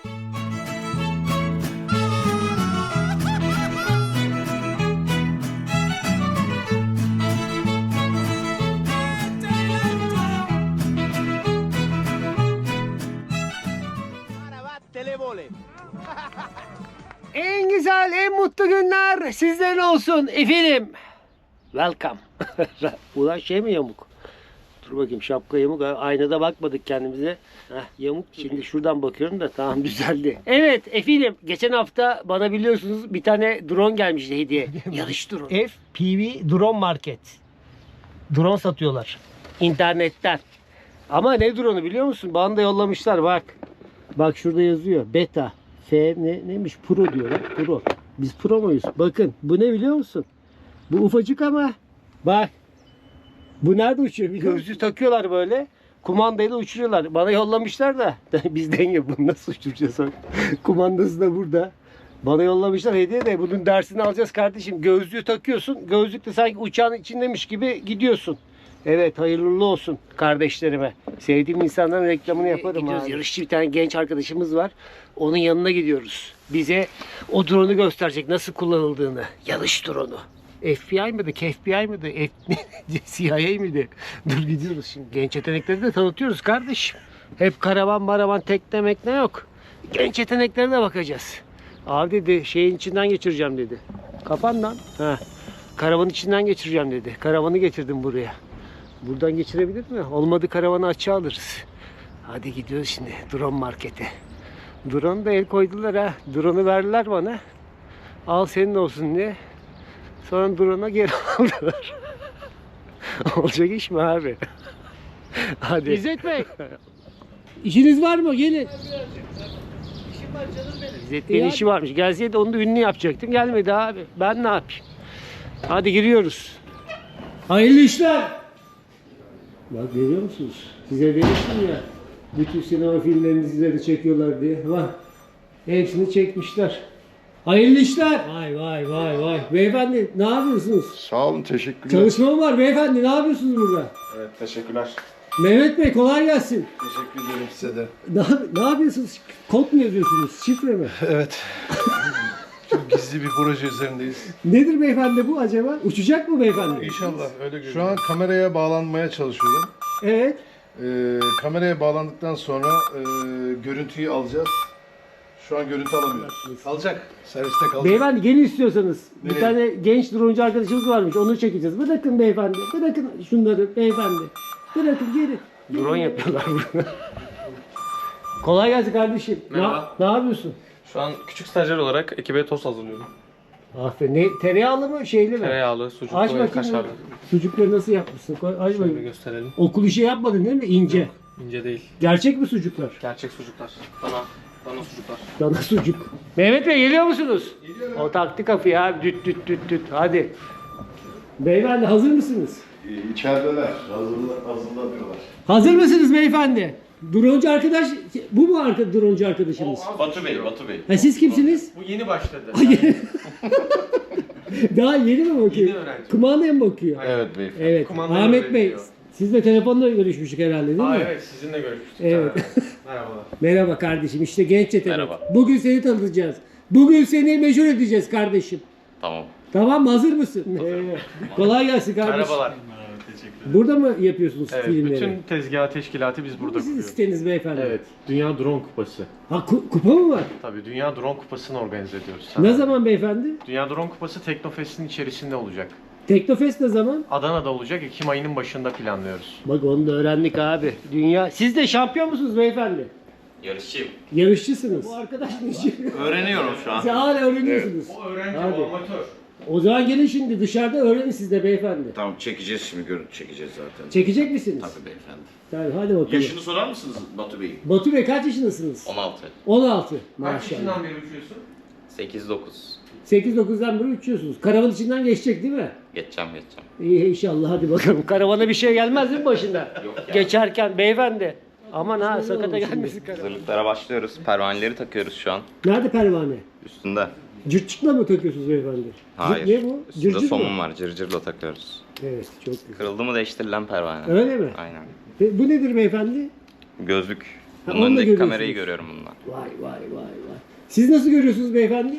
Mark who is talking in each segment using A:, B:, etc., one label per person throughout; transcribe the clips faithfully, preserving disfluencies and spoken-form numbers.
A: En güzel, en mutlu günler sizden olsun efendim. Welcome. Ulan şey mi yamuk? Dur bakayım, şapka yamuk. Aynada bakmadık kendimize. Heh, yamuk. Şimdi şuradan bakıyorum da tamam, düzeldi. Evet efendim, geçen hafta bana biliyorsunuz bir tane drone gelmişti hediye. Yarış drone. F P V Drone Market. Drone satıyorlar. İnternetten. Ama ne drone'u biliyor musun? Bana da yollamışlar bak. Bak şurada yazıyor. Beta. F ne, neymiş? Pro diyorlar. Pro. Biz pro muyuz? Bakın. Bu ne biliyor musun? Bu ufacık ama bak. Bu nerede uçuyor? Bir gözlüğü takıyorlar böyle. Kumandayla uçuruyorlar. Bana yollamışlar da. Biz denge bunu nasıl uçuracağız? Kumandası da burada. Bana yollamışlar hediye de bunun dersini alacağız kardeşim. Gözlüğü takıyorsun. Gözlükte sanki uçağın içindeymiş gibi gidiyorsun. Evet, hayırlı olsun kardeşlerime. Sevdiğim insanların reklamını yaparım. Gidiyoruz. Yarışçı bir tane genç arkadaşımız var. Onun yanına gidiyoruz. Bize o drone'u gösterecek, nasıl kullanıldığını. Yarış drone'u. F B I mıydı? F B I mıydı? F C I A mıydı? Dur gidiyoruz şimdi. Genç yetenekleri de tanıtıyoruz kardeşim. Hep karavan maravan tekne mekne yok. Genç yeteneklerine bakacağız. Abi dedi şeyin içinden geçireceğim dedi. Kapan lan. Ha. Karavanın içinden geçireceğim dedi. Karavanı getirdim buraya. Buradan geçirebilir mi? Olmadı karavanı açığa alırız. Hadi gidiyoruz şimdi drone markete. Drone da el koydular ha. Drone'u verdiler bana. Al senin olsun diye. Sonra drone'a geri aldılar. Olacak iş mi abi? Hadi. İzzet Bey. İşiniz var mı? Gelin. İşim var canım benim. İzzet Bey'in işi varmış. Gelseydi onu da ünlü yapacaktım. Gelmedi abi. Ben ne yapayım? Hadi giriyoruz. Hayırlı işler. Bak görüyor musunuz? Size demiştim ya. Bütün sinema filmlerini sizlere çekiyorlar diye. Bak. Hepsini çekmişler. Hayırlı işler. Vay vay vay vay. Beyefendi ne yapıyorsunuz?
B: Sağ olun, teşekkürler.
A: Çalışma mı var beyefendi? Ne yapıyorsunuz burada?
B: Evet, teşekkürler.
A: Mehmet Bey kolay gelsin.
B: Teşekkür ederim size de.
A: Ne, ne yapıyorsunuz? Kod mu yazıyorsunuz? Şifre mi?
B: Evet. Çok gizli bir proje üzerindeyiz.
A: Nedir beyefendi bu acaba? Uçacak mı beyefendi?
B: İnşallah öyle görünüyor. Şu an kameraya bağlanmaya çalışıyorum.
A: Evet.
B: Ee, kameraya bağlandıktan sonra e, görüntüyü alacağız. Şu an görüntü alamıyoruz. Kalacak. Serviste kalacak.
A: Beyefendi gelin istiyorsanız. Bir
B: Nereye?
A: tane genç droncu arkadaşımız varmış. Onu çekeceğiz. Bırakın beyefendi. Bırakın şunları beyefendi. Bırakın geri. Drone yapıyorlar burada. Kolay gelsin kardeşim.
C: Merhaba.
A: Ne, ne yapıyorsun?
C: Şu an küçük stajyer olarak ekibe tost hazırlıyorum.
A: Aferin. Ne, tereyağlı mı şeyli mi?
C: Tereyağlı, sucuklu
A: Aç
C: ve
A: bakayım.
C: kaşarlı.
A: Sucukları nasıl yapmışsın? Koy, aç
C: Şöyle
A: bakayım.
C: gösterelim.
A: Okul işi yapmadın değil mi? İnce.
C: İnce değil.
A: Gerçek mi sucuklar?
C: Gerçek sucuklar. Dana. Dana sucuklar.
A: Dana sucuk. Mehmet Bey geliyor musunuz? Geliyorum. O taktı kapıyı abi. Düt düt düt düt. Hadi. Beyefendi hazır mısınız?
B: İçerideler. Hazırla, hazırlanıyorlar.
A: Hazır mısınız beyefendi? Droncu arkadaş, bu mu arka, droncu arkadaşımız?
C: Batu Bey, Batu Bey.
A: Ha, siz kimsiniz?
C: Bu yeni başladı.
A: Daha yeni mi bakıyor?
C: Yeni öğrenci.
A: Kumandaya mı bakıyor?
B: Evet beyefendi.
A: Evet.
C: Kumandayla
A: Ahmet Bey,
C: öğreniyor.
A: sizle telefonla görüşmüştük herhalde değil
C: Aa,
A: mi?
C: evet, sizinle görüşmüştük.
A: Evet.
C: Merhabalar.
A: Merhaba kardeşim, işte genç yetenek.
D: Merhaba.
A: Bugün seni tanıtacağız. Bugün seni meşhur edeceğiz kardeşim.
D: Tamam.
A: Tamam mı? Hazır mısın? Evet. Kolay gelsin kardeşim.
C: Merhabalar.
A: Burada mı yapıyorsunuz
C: Evet,
A: filmleri?
C: bütün tezgah teşkilatı biz burada
A: Bu sizin
C: kuruyoruz.
A: siteniz beyefendi.
C: Evet, Dünya Drone Kupası.
A: Ha ku- kupa mı var?
C: Tabii Dünya Drone Kupası'nı organize ediyoruz.
A: Ne zaman beyefendi?
C: Dünya Drone Kupası Teknofest'in içerisinde olacak.
A: Teknofest ne zaman?
C: Adana'da olacak. Ekim ayının başında planlıyoruz.
A: Bak onu da öğrendik abi. Dünya. Siz de şampiyon musunuz beyefendi?
D: Yarışçıyım.
A: Yarışçısınız. Bu arkadaş ne?
D: Öğreniyorum şu an.
A: Siz hala öğreniyorsunuz.
C: O öğrenci,
A: Hadi.
C: o amatör.
A: O zaman gelin şimdi dışarıda öğrenin siz de beyefendi.
D: Tamam, çekeceğiz şimdi, görüntü çekeceğiz zaten.
A: Çekecek misiniz?
D: Tabii beyefendi.
A: Tabii hadi bakalım.
D: Yaşını sorar mısınız Batu Bey'in?
A: Batu Bey kaç yaşındasınız?
D: on altı.
A: on altı.
C: Kaç
A: Maşallah.
C: yaşından beri uçuyorsun?
D: sekiz dokuz.
A: sekiz dokuzdan beri uçuyorsunuz. Karavan içinden geçecek değil mi?
D: Geçeceğim geçeceğim.
A: İyi inşallah hadi bakalım. Karavana bir şey gelmez değil mi başında?
D: Yok ya.
A: Geçerken beyefendi. Aman ha sakata gelmesin karavan.
D: Hazırlıklara başlıyoruz. Pervaneleri takıyoruz şu an.
A: Nerede pervane?
D: Üstünde.
A: Cırtçıkla mı takıyorsunuz beyefendi?
D: Hayır.
A: Ne bu?
D: Üstünde
A: Cırcır
D: somun
A: mı?
D: var. Cırcırla takıyoruz.
A: Evet çok güzel.
D: Kırıldı mı değiştirilen pervane.
A: Öyle mi?
D: Aynen.
A: Ve bu nedir beyefendi?
D: Gözlük.
A: onu
D: Bunun
A: da
D: önündeki
A: görüyorsunuz.
D: kamerayı görüyorum bundan.
A: Vay vay vay vay. Siz nasıl görüyorsunuz beyefendi?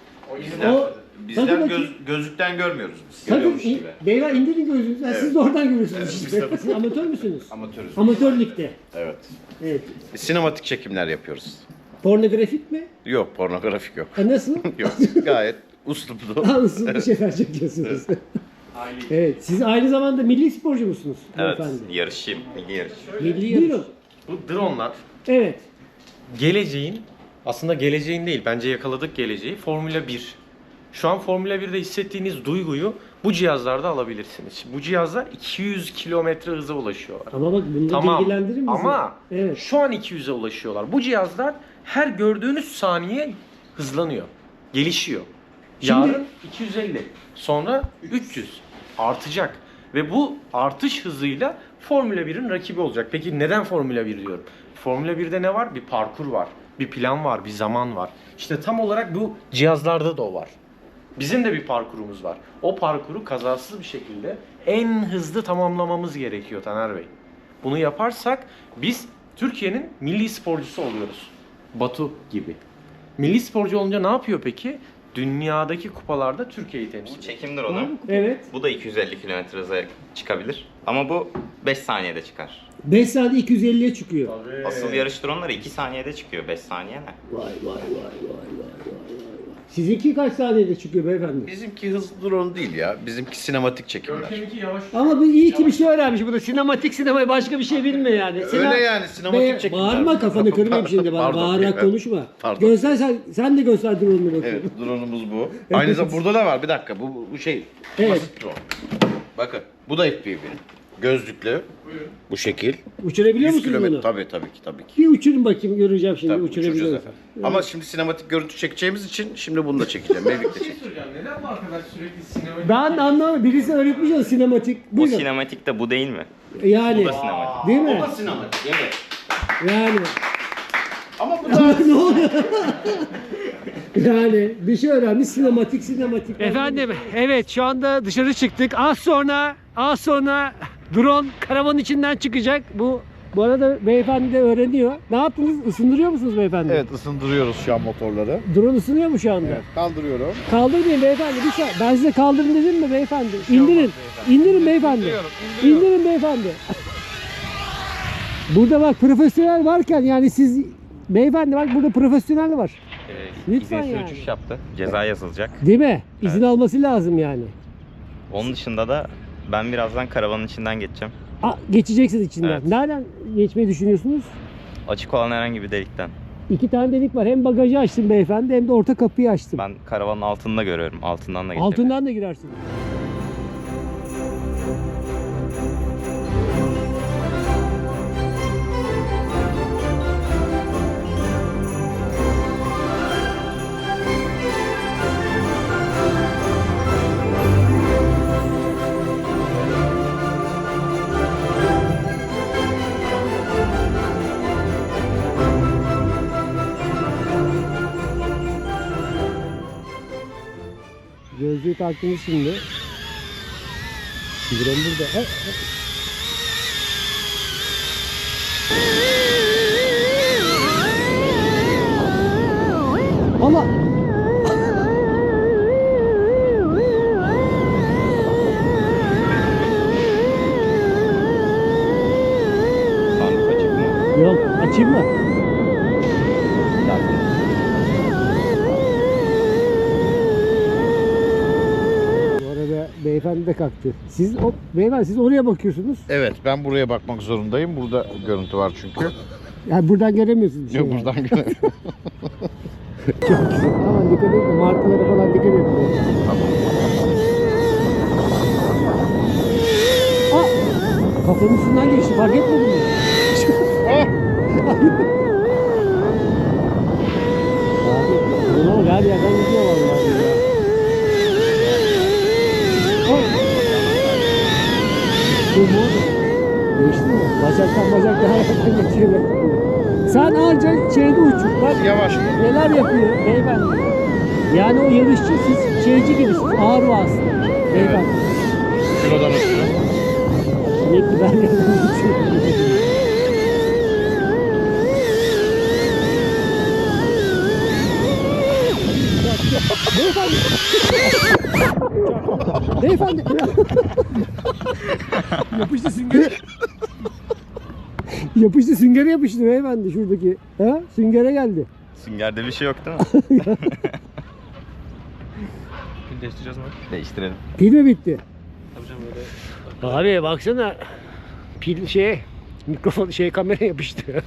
A: O
E: Bizler
A: takın
E: göz,
A: bakayım.
E: gözlükten görmüyoruz biz.
A: Takın,
E: Görüyormuş
A: in-
E: gibi.
A: beyler indirin gözünüzü. Ha, Siz de oradan görüyorsunuz
E: Evet,
A: işte.
E: biz de-
A: Siz amatör müsünüz?
E: Amatörüz.
A: Amatör ligde.
E: Evet.
A: Evet.
E: Sinematik çekimler yapıyoruz.
A: Pornografik mi?
E: Yok, pornografik yok.
A: Ha, nasıl?
E: Yok, gayet usluplu.
A: Nasıl bir şeyler çekiyorsunuz? Evet. Siz aynı zamanda milli sporcu musunuz
D: Evet,
A: beyefendi?
D: yarışçıyım. Milli yarış.
A: Milli yarış. Buyurun.
C: Bu dronelar
A: Evet.
C: geleceğin, aslında geleceğin değil, bence yakaladık geleceği, Formula bir. Şu an Formula birde hissettiğiniz duyguyu bu cihazlarda alabilirsiniz. Bu cihazlar iki yüz kilometre hıza ulaşıyorlar.
A: Ama bak bunu
C: Tamam
A: bilgilendirin bizi.
C: ama
A: Evet.
C: şu an iki yüze ulaşıyorlar. Bu cihazlar her gördüğünüz saniye hızlanıyor, gelişiyor.
A: Şimdi-
C: Yarın iki yüz elli, sonra üç yüz artacak. Ve bu artış hızıyla Formula birin rakibi olacak. Peki neden Formula bir diyorum? Formula birde ne var? Bir parkur var, bir plan var, bir zaman var. İşte tam olarak bu cihazlarda da o var. Bizim de bir parkurumuz var. O parkuru kazasız bir şekilde en hızlı tamamlamamız gerekiyor Taner Bey. Bunu yaparsak biz Türkiye'nin milli sporcusu oluyoruz. Batu gibi. Milli sporcu olunca ne yapıyor peki? Dünyadaki kupalarda Türkiye'yi temsil
D: Bu
C: ediyor.
D: çekim drone'u.
A: Evet.
D: Bu da iki yüz elli kilometre hıza çıkabilir. Ama bu beş saniyede çıkar.
A: beş saat iki yüz elliye çıkıyor.
D: Asıl yarış drone'ları iki saniyede çıkıyor. beş saniye ne?
A: Vay vay vay vay vay vay vay. Sizinki kaç saniyede çıkıyor beyefendi?
E: Bizimki hızlı drone değil ya. Bizimki sinematik çekimler.
C: Görkem'inki yavaş.
A: Ama bu iyi ki bir şey öğrenmiş bu da. Sinematik sinemayı başka bir şey bilmiyor yani.
E: Öyle yani, sinematik
A: Be-
E: çekimler.
A: Bağırma kafanı kırmayayım şimdi bana.
E: Pardon,
A: Bağırarak
E: evet.
A: konuşma.
E: Pardon.
A: Göster sen, sen de göster drone'unu bakayım.
E: Evet, drone'umuz bu. Aynı zamanda burada da var. Bir dakika. Bu, bu şey.
A: Evet.
E: Basit drone. Bakın. Bu da F P V. Gözlüklü. Bu şekil.
A: Uçurabiliyor
E: yüz
A: musunuz
E: kilometre.
A: bunu?
E: Tabii tabii ki tabii ki.
A: Bir uçurun bakayım göreceğim şimdi.
E: Tabii,
A: Uçurabiliyor
E: uçuracağız
A: musun?
E: efendim. Ama şimdi sinematik görüntü çekeceğimiz için şimdi bunu da çekeceğim. Mevlüt'te
C: Bir şey
E: çekeceğim.
C: soracağım. Neden bu arkadaş sürekli sinema...
A: Ben anlamadım. Birisi öğretmiş ya sinematik.
D: O
A: Buyurun.
D: sinematik de bu değil mi?
A: Yani.
D: Bu da sinematik.
A: Değil mi?
E: O da sinematik. Evet.
A: Yani.
E: Ama bu da
A: ne oluyor? Yani bir şey öğrenmiş sinematik sinematik. Efendim evet şu anda dışarı çıktık. Az sonra az sonra drone karavanın içinden çıkacak. Bu bu arada beyefendi de öğreniyor. Ne yaptınız? Isındırıyor musunuz beyefendi?
B: Evet, ısındırıyoruz şu an motorları.
A: Drone ısınıyor mu şu anda?
B: Kaldırıyorum.
A: Kaldırmayın beyefendi. Bir şey. Ben size kaldırın dedim mi beyefendi? İndirin. İndirin beyefendi. İndirin beyefendi. Burada bak profesyonel varken yani siz beyefendi bak burada profesyonel var.
D: Ee,
A: Lütfen
D: izinsiz
A: yani.
D: uçuş yaptı. Ceza yazılacak.
A: Değil mi? İzin alması lazım yani.
D: Onun dışında da ben birazdan karavanın içinden geçeceğim.
A: Aa, geçeceksiniz içinden.
D: Evet.
A: Nereden geçmeyi düşünüyorsunuz?
D: Açık olan herhangi bir delikten.
A: İki tane delik var. Hem bagajı açtım beyefendi hem de orta kapıyı açtım.
D: Ben karavanın altında görüyorum. Altından da geçebilirim.
A: Altından da girersin. Gözlüğü taktınız şimdi. Drone burada. Ha, ha. Ama
D: Sandık açık mı?
A: yok açayım mı? Bu arada beyefendi de kalktı. Siz o beyefendi siz oraya bakıyorsunuz.
B: Evet, ben buraya bakmak zorundayım. Burada görüntü var çünkü.
A: Yani buradan göremiyorsunuz bir şey.
B: Yok,
A: yani.
B: buradan göre.
A: Çok güzel. Aman dikkat edin. Markalara falan dikkat edin. Aa! Kafanın üstünden geçti. Fark etmedin mi? Abi, buna bak her yerden gidiyor vallahi ya. Ay! Bu mu? Geçti mi? Bacaktan bacaktan hayattan geçiyor. Sen anca şeyde uçur. Bak
B: Yavaş.
A: neler yapıyor beyefendi. Yani o yarışçı siz şeyci gibisiniz. Ağır vasıta. Beyefendi.
B: Kilodan ötürü.
A: Sürekli ben yanımda uçuyorum. Beyefendi. Beyefendi. Yapıştı süngere. Yapıştı süngere yapıştı beyefendi şuradaki. Ha? Süngere geldi.
D: Süngerde bir şey yok değil mi?
C: Değiştireceğiz mi?
D: Değiştirelim.
A: Pil mi bitti?
C: Tabii canım öyle.
A: Abi baksana. Pil şey mikrofon şey kamera yapıştı.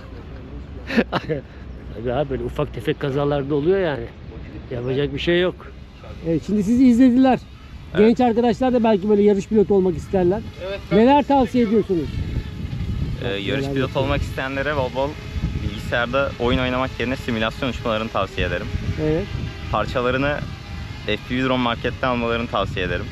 A: Tabii abi böyle ufak tefek kazalarda oluyor yani. Yapacak bir şey yok. Evet şimdi sizi izlediler. Genç arkadaşlar da belki böyle yarış pilotu olmak isterler. Neler tavsiye ediyorsunuz?
D: Ee, yarış pilotu olmak isteyenlere bol bol bilgisayarda oyun oynamak yerine simülasyon uçmalarını tavsiye ederim.
A: Evet.
D: Parçalarını F P V Drone Market'ten almalarını tavsiye ederim.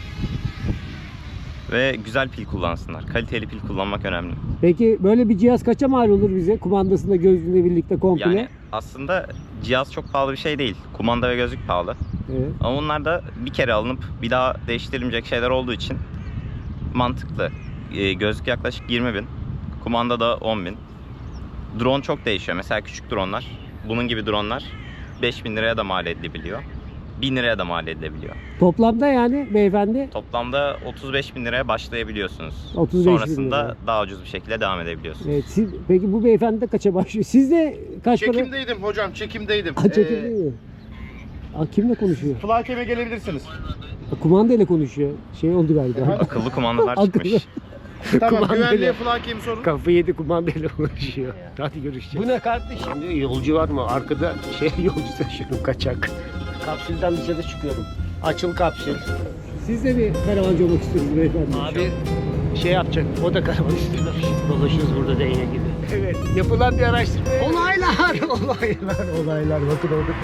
D: Ve güzel pil kullansınlar. Kaliteli pil kullanmak önemli.
A: Peki böyle bir cihaz kaça mal olur bize? Kumandasında gözlüğüyle birlikte komple.
D: Yani aslında cihaz çok pahalı bir şey değil. Kumanda ve gözlük pahalı.
A: Evet.
D: Ama bunlar da bir kere alınıp bir daha değiştirilmeyecek şeyler olduğu için mantıklı. Ee, gözlük yaklaşık yirmi bin. Kumanda da on bin. Drone çok değişiyor. Mesela küçük dronlar, bunun gibi dronlar beş bin liraya da mal edilebiliyor. bin liraya da mal edilebiliyor.
A: Toplamda yani beyefendi
D: Toplamda otuz beş bin liraya başlayabiliyorsunuz.
A: otuz beş bin
D: Sonrasında
A: lira.
D: daha ucuz bir şekilde devam edebiliyorsunuz.
A: Evet, siz, peki bu beyefendi de kaça başlıyor? Siz de kaç para?
E: Çekimdeydim hocam, çekimdeydim.
A: Ha, çekim değil mi? Aa, kimle konuşuyor?
E: Flakeme gelebilirsiniz.
A: Ha, kumandayla konuşuyor. Şey oldu galiba.
D: Akıllı kumandalar
A: Akıllı.
D: çıkmış.
E: Tamam,
A: Kumandayla-
E: güvenliğe flakemi sorun.
A: Kafayı yedi kumandayla konuşuyor. Hadi görüşeceğiz. Bu ne kardeşim? Şimdi yolcu var mı? Arkada şey yolcu taşıyorum kaçak. Kapsülden dışarı çıkıyorum. Açıl kapsül. Siz de bir karavancı olmak istiyorsunuz beyefendi. Abi şey yapacak. O da karavan istiyor. Dolaşıyoruz burada değne gibi. Evet. Yapılan bir araştırma. Olaylar, olaylar, olaylar. Bakın orada.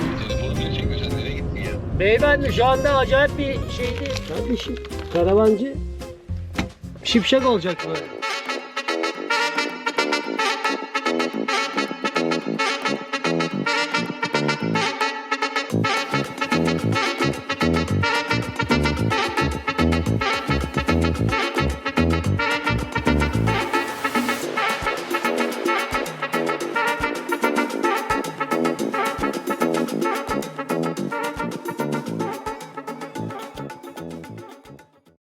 A: Beyefendi şu anda acayip bir şeydi. Kardeşim karavancı şipşak olacak mı?